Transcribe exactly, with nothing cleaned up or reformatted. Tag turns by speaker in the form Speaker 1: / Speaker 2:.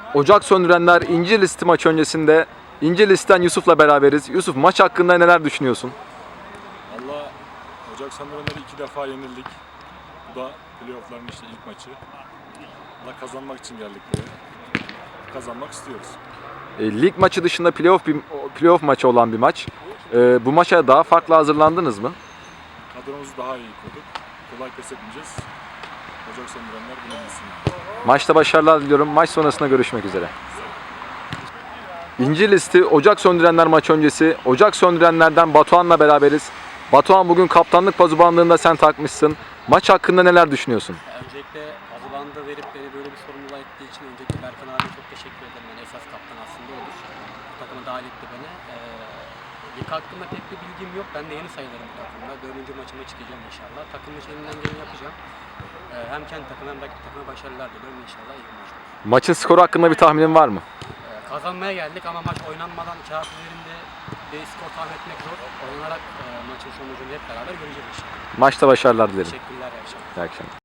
Speaker 1: Ocak Söndürenler İncirlisi maçı öncesinde İncirlisi'den Yusuf'la beraberiz. Yusuf, maç hakkında neler düşünüyorsun?
Speaker 2: Valla Ocak Söndürenler'e iki defa yenildik. Bu da playoff'ların işte ilk maçı. Valla kazanmak için geldik buraya. Kazanmak istiyoruz.
Speaker 1: E, lig maçı dışında playoff bir playoff maçı olan bir maç. E, bu maça daha farklı hazırlandınız mı?
Speaker 2: Kadromuzu daha iyi kurduk. Kolay pes etmeyeceğiz. Ocak Söndürenler bunu bilsin.
Speaker 1: Maçta başarılar diliyorum. Maç sonrasında görüşmek üzere. İncirlisi Ocak Söndürenler maçı öncesi Ocak Söndürenler'den Batuhan'la beraberiz. Batuhan, bugün kaptanlık pazubanlığında sen takmışsın. Maç hakkında neler düşünüyorsun?
Speaker 3: Öncelikle Azuban'da verip beni böyle bir sorumluluğa ettiği için öncelikle Berkan abiye çok teşekkür ederim. Yani esas kaptan aslında olur. Bu takıma dahil etti beni. Ee, lig hakkında pek bir bilgim yok. Ben de yeni sayılırım bu takımda. Dördüncü maçıma çıkacağım inşallah. Takım için elimden geleni yapacağım. Ee, hem kendi takımım hem rakip takıma başarılar diliyorum inşallah. İyi bir maç olur.
Speaker 1: Maçın skoru hakkında bir tahminin var mı?
Speaker 3: Ee, kazanmaya geldik ama maç oynanmadan kağıt üzerinde bir skor tahmin etmek zor. Oynanarak e, maçın sonucunu hep beraber göreceğiz inşallah.
Speaker 1: Maçta başarılar dilerim.
Speaker 3: Teşekkürler. İyi akşamlar.
Speaker 1: İyi akşamlar.